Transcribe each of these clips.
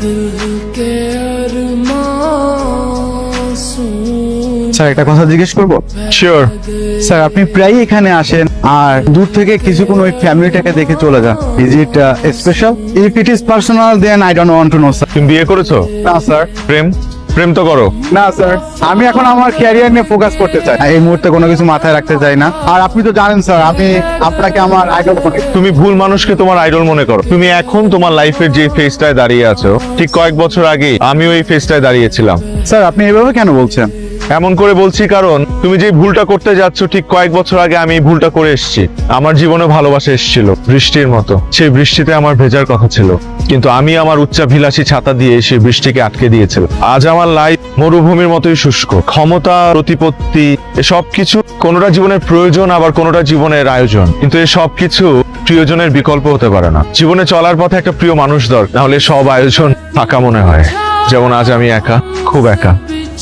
Sir একটা কথা জিজ্ঞেস করবো? শিওর। স্যার আপনি প্রায়ই এখানে আসেন আর দূর থেকে কিছুক্ষণ ওই ফ্যামিলিটাকে দেখে চলে যান। Is it special? If it is personal then I don't want to know sir. তুমি বিয়ে করেছো? না স্যার। প্রেম তো করো। না স্যার, আমি এখন আমার ক্যারিয়ার নিয়ে ফোকাস করতে চাই, এই মুহূর্তে কোনো কিছু মাথায় রাখতে চাই না। আর আপনি তো জানেন স্যার, আমি আপনাকে আমার আইডল মনে করি। তুমি ভুল মানুষকে তোমার আইডল মনে করো। তুমি এখন তোমার লাইফের যে ফেজটায় দাঁড়িয়ে আছো, ঠিক কয়েক বছর আগে আমিও এই ফেজটায় দাঁড়িয়েছিলাম। স্যার আপনি এভাবে কেন বলছেন? এমন করে বলছি কারণ তুমি যে ভুলটা করতে যাচ্ছ, ঠিক কয়েক বছর আগে আমি এই ভুলটা করে এসেছি। আমার জীবনে ভালোবাসা এসেছিল বৃষ্টির মতো। সেই বৃষ্টিতে আমার ভেজার কথা ছিল, কিন্তু আমি আমার উচ্চাভিলাষী ছাতা দিয়ে সেই বৃষ্টিকে আটকে দিয়েছিলাম। আজ আমার লাইফ মরুভূমির মতোই শুষ্ক। ক্ষমতা, প্রতিপত্তি, এসব কিছু কোনোটা জীবনের প্রয়োজন, আবার কোনোটা জীবনের আয়োজন, কিন্তু এই সব কিছু প্রিয়জনের বিকল্প হতে পারে না। জীবনে চলার পথে একটা প্রিয় মানুষ দরকার, নাহলে সব আয়োজন ফাঁকা মনে হয়। যেমন আজ আমি একা, খুব একা।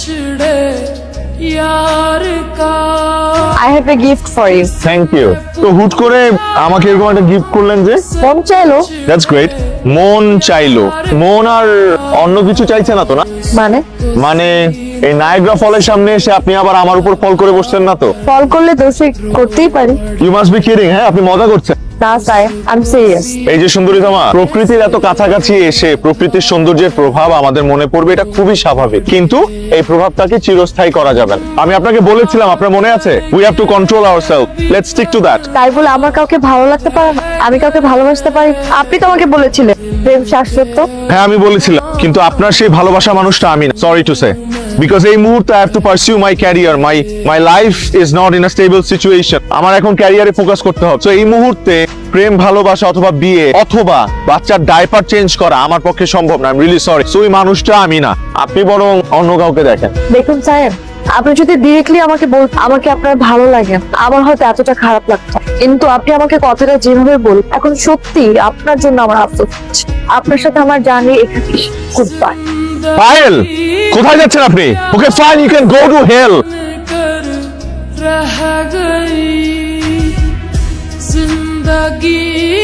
I have a gift for you. Thank you. তো হুট করে আমাকে এরকম একটা গিফট করলেন যে? মন চাইলো? That's great. মন চাইলো? মন আর অন্য কিছু চাইছে না তো? না মানে এই নায়াগ্রা ফলের সামনে এসে আপনি আবার আমার উপর ফল করে বসছেন না তো? ফল করলে দোষী করতেই পারি। You must be kidding. হ্যাঁ, আপনি মজা করছেন। না স্যার, আই এম সিরিয়াস। এই যে সুন্দরী তোমা, প্রকৃতির এত কাছাকাছি এসে প্রকৃতির সৌন্দর্যের প্রভাব আমাদের মনে পড়বে, এটা খুবই স্বাভাবিক, কিন্তু এই প্রভাবটাকে চিরস্থায়ী করা যাবে না। আমি আপনাকে বলেছিলাম, আপনার মনে আছে, we have to control ourselves, let's stick to that. তাই বলে আমার কাউকে ভালো লাগতে পারে না? আমি কাউকে ভালোবাসতে পারি? আপনি তো আমাকে বলেছিলেন প্রেম শাশ্বত। হ্যাঁ আমি বলেছিলাম, কিন্তু আপনার সেই ভালোবাসা মানুষটা আমি না, সরি টু সে। বিকজ এই মুহূর্তে I have to pursue my career, my life is not in a stable situation. আমার এখন ক্যারিয়ারে ফোকাস করতে হবে। তো এই মুহূর্তে প্রেম, ভালোবাসা অথবা বিয়ে অথবা বাচ্চার ডাইপার চেঞ্জ করা আমার পক্ষে সম্ভব না। I am really sorry. So এই মানুষটা আমি না, আপনি বরং অন্য কাউকে দেখেন। দেখুন স্যার, আপনি যদি ডিরেক্টলি আমাকে আমাকে আপনার ভালো লাগে, আমার হয়তো এতটা খারাপ লাগতো, কিন্তু আপনি আমাকে কথাটা যেভাবে বল, এখন সত্যি আপনার জন্য আমার আফসোস হচ্ছে। আপনার সাথে আমার জার্নি এখানে গুড বাই। পায়েল, কোথায় যাচ্ছেন আপনি? Okay fine, you can go to hell. रह गई जिंदगी